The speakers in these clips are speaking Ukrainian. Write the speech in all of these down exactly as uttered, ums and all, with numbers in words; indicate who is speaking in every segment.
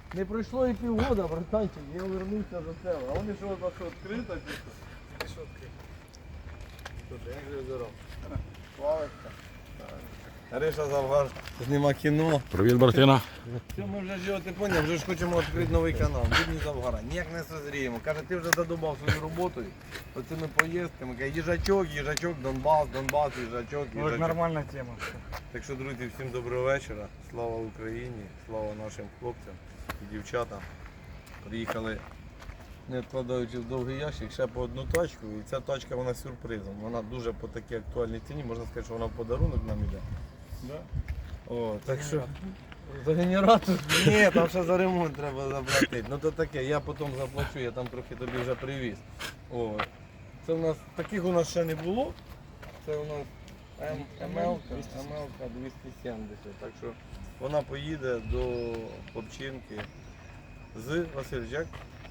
Speaker 1: Не пройшло і півгода, братанчик, я вернувся до тебе. А вони що, у нас що, відкрито чи що?
Speaker 2: Ти що відкрив?
Speaker 1: Тут, як же здоров. Славочка. Гриша Завгар зніма кіно.
Speaker 3: Привіт, братина.
Speaker 1: Все, ми вже ж, ти поняв, вже ж хочемо відкрити новий канал. Будні Завгара. Ніяк не созріємо. Каже, ти вже задумав свою роботу оцими поїздками. Каже, їжачок, їжачок, Донбас, Донбас, їжачок,
Speaker 2: Ну,
Speaker 1: їжачок.
Speaker 2: нормальна тема.
Speaker 1: Так що, друзі, всім доброго вечора. Слава Україні, слава нашим хлопцям і дівчатам. Приїхали, не відкладаючи в довгий ящик, ще по одну тачку. І ця тачка вона з сюрпризом. Вона дуже по такій актуальній ціні, можна сказати, що вона в подарунок нам іде.
Speaker 2: Да?
Speaker 1: О, так що за генератор? Ні, там ще за ремонт треба заплатити. Ну то таке, я потім заплачу, я там трохи тобі вже привіз. О, це у нас, таких у нас ще не було. Це у нас ем ел-ка двісті сімдесят. Так що вона поїде до Попчинки з Васильчак.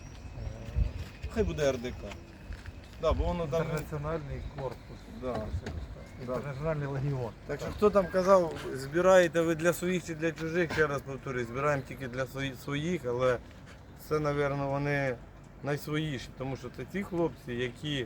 Speaker 1: Хай буде ар де ка. Да, бо воно там...
Speaker 2: Інтернаціональний корпус.
Speaker 1: Да.
Speaker 2: Інтернаціональний легіон.
Speaker 1: Так що хто там казав, збираєте ви для своїх чи для чужих, ще раз повторюю, збираємо тільки для своїх, але це, мабуть, вони найсвоїші, тому що це ті хлопці, які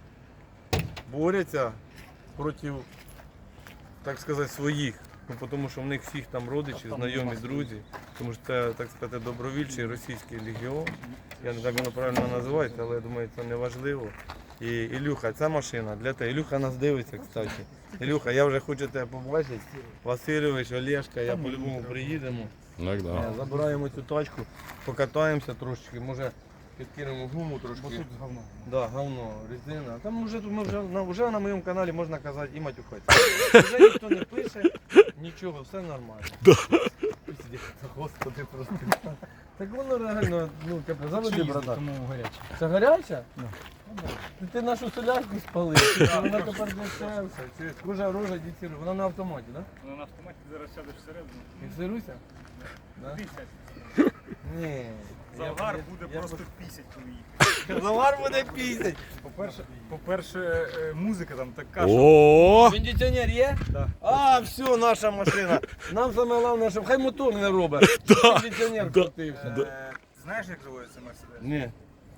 Speaker 1: борються проти, так сказати, своїх. Ну, тому що в них всіх там родичі, знайомі, друзі, тому що це, так сказати, добровільчий російський легіон. Я не так воно правильно називається, але я думаю, це не важливо. І Ілюха, ця машина для тебе. Ілюха нас дивиться, кстати. Ілюха, я вже хочу тебе побачити. Васильович, Олешка, я по-любому приїдемо.
Speaker 3: Так, да.
Speaker 1: Забираємо цю тачку, покатаємося трошки, може підкинемо гуму трошки.
Speaker 2: Бо тут говно.
Speaker 1: Да, говно, резина. Там вже, ми вже, на, вже на моєму каналі можна казати і матюхатися. Вже ніхто не пише, нічого, все нормально. Пиздец, Господи, просто. Так воно реально, ну, капець, заводи, брата.
Speaker 2: Тому гаряче.
Speaker 1: Це гаряча?
Speaker 2: Да.
Speaker 1: Ти, ти нашу солярку спалив, ти вона тепер дешевся. Кожа рожа дітірує, вона на автоматі, так?
Speaker 2: Ну, на автоматі зараз сядеш всередину.
Speaker 1: Фіксируйся? Да?
Speaker 2: Пісять.
Speaker 1: Ні.
Speaker 2: Завгар
Speaker 1: Я-
Speaker 2: буде
Speaker 1: я-
Speaker 2: просто пісять, коли їхати.
Speaker 1: Завгар буде пісять.
Speaker 2: По-перше, по-перше, е, музика там така, що...
Speaker 3: О!
Speaker 1: Кондиціонер є?
Speaker 2: Да.
Speaker 1: А, все, наша машина. Нам саме головне, щоб хай мотор не робить, щоб кондиціонер крутився.
Speaker 2: Е, Знаєш, як заводиться Мерседес?
Speaker 1: Ні.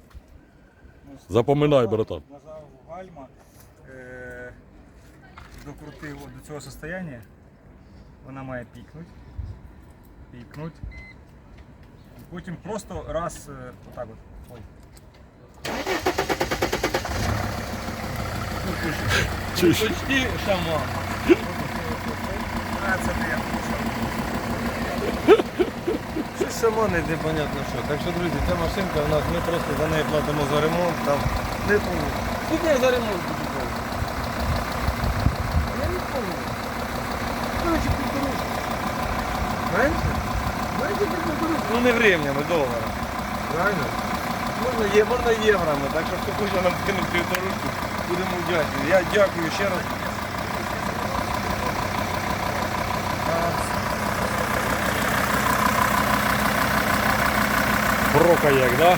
Speaker 2: Ну,
Speaker 3: Запоминай, братан.
Speaker 2: Нажав гальма, е, докрутив до цього состояння, вона має пікнути, пікнуть, і потім просто раз, е, отак от, ой.
Speaker 3: Чуєш?
Speaker 1: Почти шаман.
Speaker 2: А, це не я.
Speaker 1: Щось шаман, непонятно що. Так що, друзі, ця машинка у нас, ми просто за неї платимо за ремонт. Там не помню. Скільки я за ремонт буду платити? Я не пам'ятаю. Короче, півторушки. Менше? Менше півторушки. Ну не гривнями, доларами. Правильно? Можна, є, можна євроми, так що хто хоче нам скинути півторушку, будемо вдячні. Я дякую ще раз.
Speaker 3: Прока як, да?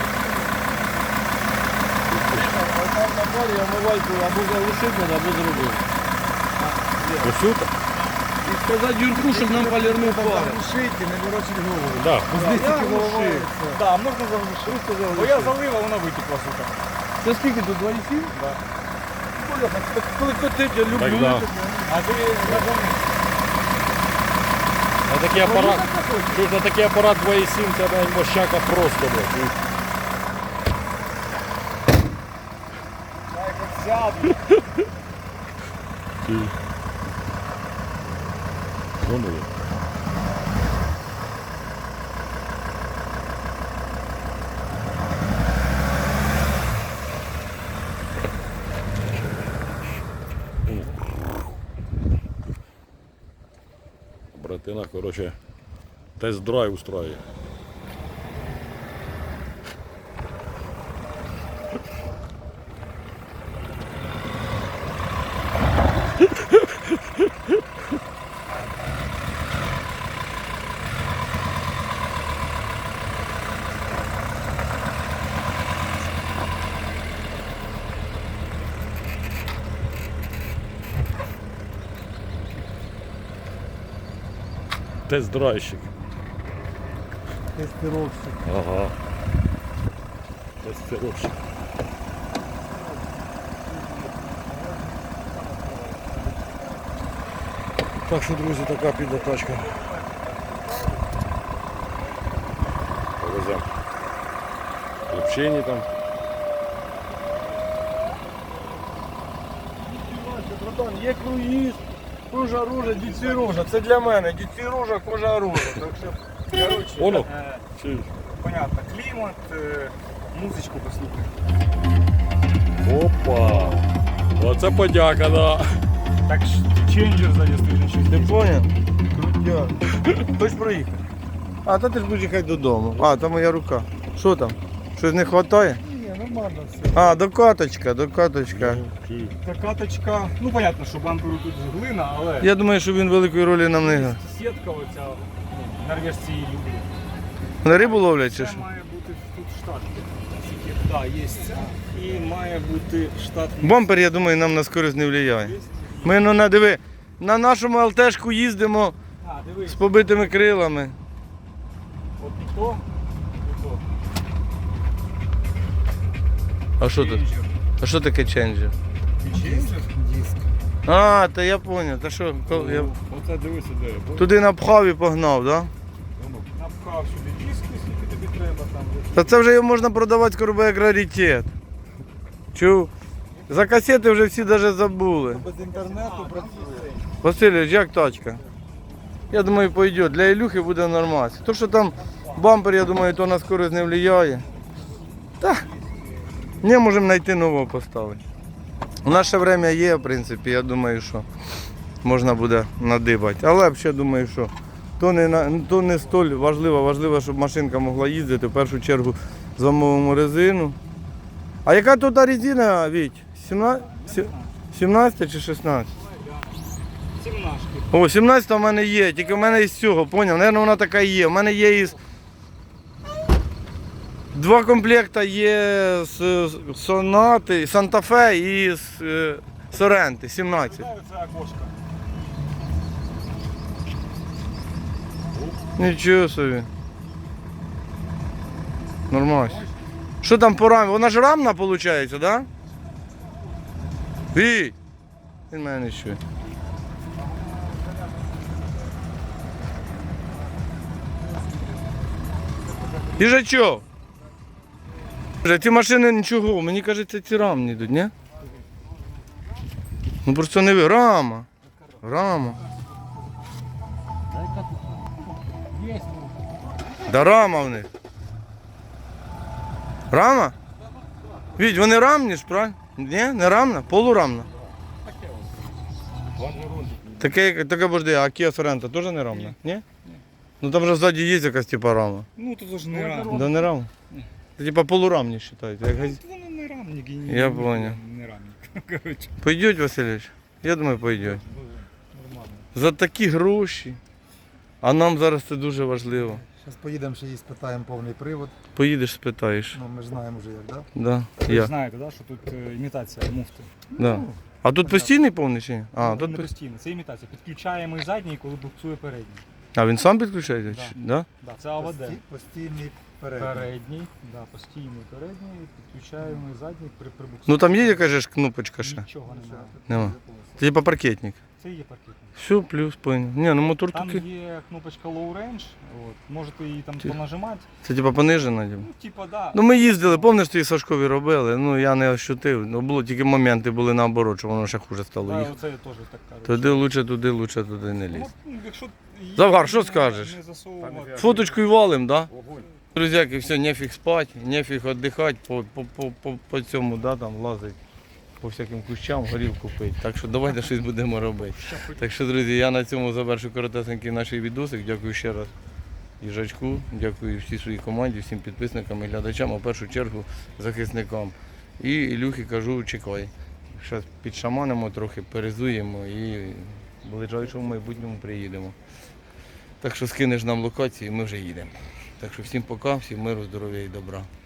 Speaker 1: Там на парі омивайку або залишити, або зробити.
Speaker 3: Ось тут?
Speaker 1: І сказати Юрку, щоб нам полірнув пари.
Speaker 2: Заглушити, не ворочить голову.
Speaker 3: Да.
Speaker 1: Я глушив.
Speaker 2: Так, можна заглушити. Бо я залила, вона витекла, сука.
Speaker 1: Це скільки тут, два і сім?
Speaker 2: Да.
Speaker 1: Коли котить, я люблю.
Speaker 3: Так, да.
Speaker 2: А ти нажав.
Speaker 3: На такий апарат, чуєш, на такий апарат два і сім, це навіть мощака просто, блядь.
Speaker 2: Я як сяду.
Speaker 3: Ти. Ну, ну, є. Братина, короче, тест-драйв устроює. Тест-драйвщик.
Speaker 1: тестировщик.
Speaker 3: Ага. Тестировщик. Так що, друзі, така піде тачка. Повеземо. Общені там.
Speaker 1: Братан, є круїз, кожа рожа, дід Сережа. Це для мене, дід Сережа, кожа рожа. Так що, коротше,
Speaker 3: Воно.
Speaker 2: Е,
Speaker 3: Чи-
Speaker 2: Понятно, клімат, е, музичку послухай.
Speaker 3: Опа. Оце подяка, да.
Speaker 2: Так ж ченджер ззаді стоїть щось.
Speaker 1: ти поняв? Крутя. Хоч проїхати. А, то ти ж будеш їхати додому. А, там моя рука. Що там? Щось не вистачає?
Speaker 2: Ні, нормально все.
Speaker 1: А, докаточка, докаточка.
Speaker 3: Чи-
Speaker 2: Каточка, ну понятно, що бамперу тут глина, але
Speaker 1: Я думаю, що він великої ролі нам не грає.
Speaker 2: сітка оця, ну, норвежці її люблять.
Speaker 1: На рибу ловлять чи
Speaker 2: Це
Speaker 1: що?
Speaker 2: має бути тут штат. Так, є ця і має бути штат.
Speaker 1: Бампер, я думаю, нам на скорість не впливає. Ми, ну, на, диви, на нашому ЛТшку їздимо
Speaker 2: А, дивись,
Speaker 1: з побитими крилами.
Speaker 2: от і то, і то.
Speaker 1: А що тут?
Speaker 2: Ченджер.
Speaker 1: А що таке ченджер?
Speaker 2: Ченджер? Диск.
Speaker 1: А, та я зрозумів. Та що, кол- я
Speaker 3: Оце дивися, де.
Speaker 1: туди напхав і погнав, так? Да?
Speaker 2: Напхав сюди диск, скільки тобі треба там.
Speaker 1: Та це вже його можна продавати скоро як раритет. Чув? За касети вже всі навіть забули.
Speaker 2: Без інтернету працює.
Speaker 1: Васильович, як тачка? Я думаю, пойде. Для Ілюхи буде нормально. То, що там бампер, я думаю, то на скорість не впливає. Та, не можемо знайти нового поставити. У нас ще время є, в принципі, я думаю, що можна буде надибати. Але взагалі думаю, що то не, на- то не столь важливо. Важливо, щоб машинка могла їздити. В першу чергу замовимо резину. А яка тут резина, Віть? сімнадцять чи шістнадцять?
Speaker 2: Сімнашки.
Speaker 1: О, сімнадцять в мене є, тільки в мене із цього, поняв? Наверно, вона така і є. У мене є із. Два комплекта є з Сонати, Санта-Фе і з е, Соренти, сімнадцять.
Speaker 2: Дай оце окошко.
Speaker 1: Нічого собі. Нормально. Що там по рамі? Вона ж рамна виходить, так? Да? Віть! Він мене не чує. Їжачок! Ці машини нічого, мені кажеться, ці рамні йдуть, ні? Ну просто не ви. Рама. Рама. Да рама в них. Рама? Віть, вони рамні ж, правильно? Ні, не рамна, полурамна. Таке, таке божди, а Kia Sorento теж не рамна? Ні? Ну там же ззаді є якась типа рама.
Speaker 2: Ну тут ж не рам.
Speaker 1: Да не рама? Це типа полурамні вважаєте. Як... газ-
Speaker 2: Воно не рамник. і
Speaker 1: Я
Speaker 2: ні-
Speaker 1: понял.
Speaker 2: Не рамник. Коротше,
Speaker 1: Пойдуть, Васильович? Я думаю, пойдуть.
Speaker 2: нормально.
Speaker 1: За такі гроші. А нам зараз це дуже важливо.
Speaker 4: Зараз поїдемо ще її спитаємо повний привод.
Speaker 1: Поїдеш, спитаєш.
Speaker 4: Ну, ми ж знаємо вже як, так?
Speaker 1: Да?
Speaker 2: Ви
Speaker 1: Я.
Speaker 2: знаєте, да, що тут е, імітація муфти.
Speaker 1: Да. А тут постійний повний чи ні? А,
Speaker 2: Ну,
Speaker 1: тут
Speaker 2: не
Speaker 1: по-
Speaker 2: постійно. Це імітація. Підключаємо і задній, коли буксує передній.
Speaker 1: а він сам підключається?
Speaker 2: Да.
Speaker 1: Чи- Да?
Speaker 2: Да, це АВД.
Speaker 4: Пості- Постійний перед.
Speaker 2: Передній, да, постійний передній, підключаємо і задній при прибуксуванні.
Speaker 1: Ну там є якась же ж кнопочка ще?
Speaker 2: Нічого немає.
Speaker 1: Нема. Це типа паркетник.
Speaker 2: Це є паркетник.
Speaker 1: Все, плюс, понял. Ні, ну мотор
Speaker 2: Там
Speaker 1: такий.
Speaker 2: є кнопочка Low Range, от, можете її там
Speaker 1: Ти-
Speaker 2: понажимати.
Speaker 1: Це типа понижена. Типа.
Speaker 2: Ну, типа, да.
Speaker 1: Ну ми їздили, пам'ятаєш, що і Сашкові робили, ну я не ощутив. Ну було тільки моменти були наоборот, що воно ще хуже стало
Speaker 2: Да,
Speaker 1: їхати.
Speaker 2: оце я теж так кажу.
Speaker 1: Туди лучше, туди лучше, туди не лізь.
Speaker 2: Ну, якщо її
Speaker 1: Завгар, що
Speaker 2: не-
Speaker 1: скажеш?
Speaker 2: Не засовувати.
Speaker 1: Фоточку і валим, да? Друзяки, все, нефіг спати, нефіг віддихати по, по, по, по, по цьому, да, там лазить по всяким кущам, горілку пить. Так що давайте щось будемо робити. Так що, друзі, я на цьому завершу коротесенький наш відосик. Дякую ще раз їжачку, дякую всій своїй команді, всім підписникам і глядачам, а в першу чергу захисникам. І Ілюхі кажу, чекай. Зараз підшаманимо трохи, перезуємо і ближайшому майбутньому приїдемо. Так що скинеш нам локації, ми вже їдемо. Так що всім пока, всім миру, здоров'я і добра.